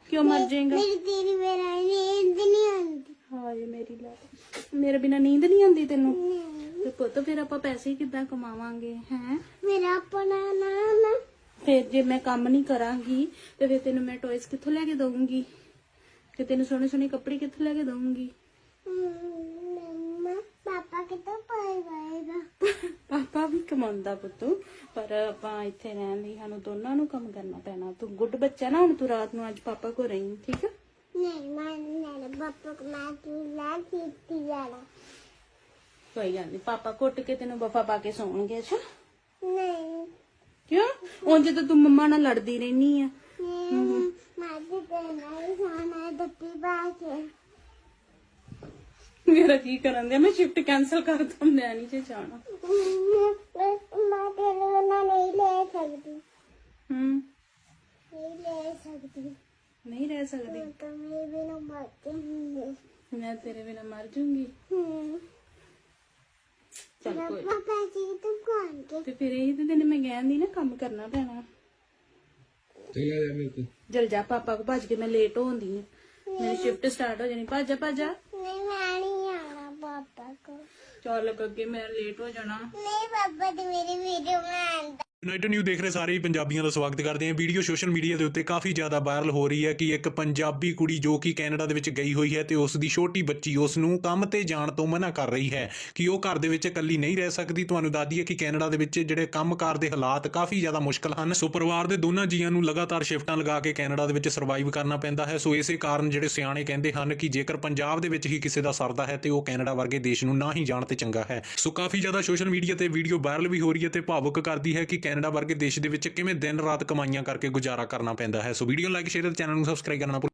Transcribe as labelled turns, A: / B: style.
A: क्यों मर जाएगा?
B: मेरी तेरी मेरा नींद नहीं आती।
A: हाय मेरी लाड, मेरे बिना नींद नहीं आती तेनू? ਤੇ ਪੁੱਤ ਫਿਰ ਆਪਾਂ ਪੈਸੇ ਕਿੱਦਾਂ ਕਮਾਵਾਂਗੇ ਹੈ?
B: मेरा अपना नाम है।
A: ਫਿਰ ਜੇ ਮੈਂ ਕੰਮ ਨਹੀਂ ਕਰਾਂਗੀ ਤੇ ਫਿਰ ਤੈਨੂੰ ਮੈਂ ਟੌਇਸ ਕਿੱਥੋਂ ਲੈ ਕੇ ਦਊਂਗੀ? ਤੇ ਤੈਨੂੰ ਸੋਹਣੇ ਸੋਹਣੇ ਕੱਪੜੇ ਕਿੱਥੋਂ ਲੈ ਕੇ ਦਊਂਗੀ?
B: मम्मा पापा के तो पाएगा।
A: ਪਾਪਾ ਵੀ ਕਮਾਉਂਦਾ ਪੁੱਤ, ਪਰ ਆਪਾਂ ਇੱਥੇ ਰਹਿਣ ਲਈ ਸਾਨੂੰ ਦੋਨਾਂ ਨੂੰ ਕੰਮ ਕਰਨਾ ਪੈਣਾ। ਤੂੰ ਗੁੱਡ ਬੱਚਾ ਨਾ, ਹੁਣ ਤੂੰ ਰਾਤ ਨੂੰ ਅੱਜ ਪਾਪਾ ਕੋਲ ਰਹੀਂ, ਠੀਕ ਆ?
B: नहीं मैं पापा को मैं तू ला सीती जाना।
A: ਕੋਈ ਗੱਲ ਨਹੀਂ, ਪਾਪਾ ਘੁੱਟ ਕੇ ਤੈਨੂੰ ਵਫਾ ਪਾ ਕੇ ਸੌਣਗੇ। ਅੱਛਾ
B: नहीं
A: ਕਿਉਂ? ਉਂਝ ਤਾਂ ਤੂੰ ਮੰਮਾ ਨਾਲ ਲੜਦੀ ਰਹਿਨੀ ਆ।
B: मैं तो कहना ही खाना है दत्ती बाके।
A: ਮੇਰਾ ਕੀ ਕਰਨ ਦਿਆ? ਮੈਂ ਸ਼ਿਫਟ ਕੈਨਸਲ ਕਰ ਦੂੰ, ਮੈਂ ਨਹੀਂ ਜੇ ਜਾਣਾ।
B: मैं तेरे बिना नहीं ले सकती।
A: नहीं
B: ले सकती।
A: नहीं रह सकती।
B: तो मेरे बिना मर जाऊंगी।
A: मैं तेरे बिना मर जाऊंगी। चल कोई
B: पापा जी तुम कौन के?
A: ਤੇ ਫਿਰ ਇਹੀ ਤੇ ਤੈਨੂੰ ਮੈਂ ਕਹਿੰਦੀ ਨਾ, ਕੰਮ ਕਰਨਾ ਪੈਣਾ।
C: चला जा मेरे को।
A: ਜਲ ਜਾ ਪਾਪਾ ਕੋ, ਭੱਜ ਕੇ ਮੈਂ ਲੇਟ ਹੋਉਂਦੀ ਆ, ਮੇਰੀ ਸ਼ਿਫਟ ਸਟਾਰਟ ਹੋ ਜਾਣੀ। ਭੱਜ ਜਾ ਭੱਜ ਜਾ।
B: नहीं मैं नहीं आना पापा को।
A: ਚੱਲ ਅੱਗੇ ਮੈਂ ਲੇਟ ਹੋ ਜਾਣਾ।
B: नहीं पापा तो मेरी वीडियो में आंदा।
C: ਯੂਨਾਈਟਡ ਨਿਊ ਦੇਖ ਰਹੇ ਸਾਰੇ ਹੀ ਪੰਜਾਬੀਆਂ ਦਾ ਸਵਾਗਤ ਕਰਦੇ ਹਾਂ। ਵੀਡੀਓ ਸੋਸ਼ਲ ਮੀਡੀਆ ਦੇ ਉੱਤੇ ਕਾਫੀ ਜ਼ਿਆਦਾ ਵਾਇਰਲ ਹੋ ਰਹੀ ਹੈ ਕਿ ਇੱਕ ਪੰਜਾਬੀ ਕੁੜੀ ਜੋ ਕਿ ਕੈਨੇਡਾ ਦੇ ਵਿੱਚ ਗਈ ਹੋਈ ਹੈ ਤੇ ਉਸ ਦੀ ਛੋਟੀ ਬੱਚੀ ਉਸ ਨੂੰ ਕੰਮ ਤੇ ਜਾਣ ਤੋਂ ਮਨਾ ਕਰ ਰਹੀ ਹੈ ਕਿ ਉਹ ਘਰ ਦੇ ਵਿੱਚ ਇਕੱਲੀ ਨਹੀਂ ਰਹਿ ਸਕਦੀ। ਤੁਹਾਨੂੰ ਦੱਸ ਦਈਏ ਕਿ ਕੈਨੇਡਾ ਦੇ ਵਿੱਚ ਜਿਹੜੇ ਕੰਮਕਾਰ ਦੇ ਹਾਲਾਤ ਕਾਫੀ ਜ਼ਿਆਦਾ ਮੁਸ਼ਕਲ ਹਨ। ਸੋ ਪਰਿਵਾਰ ਦੇ ਦੋਨਾਂ ਜੀਆਂ ਨੂੰ ਲਗਾਤਾਰ ਸ਼ਿਫਟਾਂ ਲਗਾ ਕੇ ਕੈਨੇਡਾ ਦੇ ਵਿੱਚ ਸਰਵਾਈਵ ਕਰਨਾ ਪੈਂਦਾ ਹੈ। ਸੋ ਇਸੇ ਕਾਰਨ ਜਿਹੜੇ ਸਿਆਣੇ ਕਹਿੰਦੇ ਹਨ ਕਿ ਜੇਕਰ ਪੰਜਾਬ ਦੇ ਵਿੱਚ ਹੀ ਕਿਸੇ ਦਾ ਸਰਦਾ ਹੈ ਤੇ ਉਹ ਕੈਨੇਡਾ ਵਰਗੇ ਦੇਸ਼ ਨੂੰ ਨਾ ਹੀ ਜਾਣ ਤੇ ਚੰਗਾ ਹੈ। ਸੋ ਕਾਫੀ ਜ਼ਿਆਦਾ ਸੋਸ਼ਲ ਮੀਡੀਆ ਤੇ ਵੀਡੀਓ ਵਾਇਰਲ ਵੀ ਹੋ ਰਹੀ ਹੈ ਤੇ ਭਾਵੁਕ ਕਰਦੀ ਹੈ ਕਿ ਕੈਨੇਡਾ ਵਰਗੇ ਦੇਸ਼ ਦੇ ਵਿੱਚ ਕਿਵੇਂ ਦਿਨ ਰਾਤ ਕਮਾਈਆਂ ਕਰਕੇ ਗੁਜ਼ਾਰਾ ਕਰਨਾ ਪੈਂਦਾ ਹੈ। ਸੋ ਵੀਡੀਓ ਲਾਈਕ ਸ਼ੇਅਰ ਤੇ ਚੈਨਲ ਨੂੰ ਸਬਸਕ੍ਰਾਈਬ ਕਰਨਾ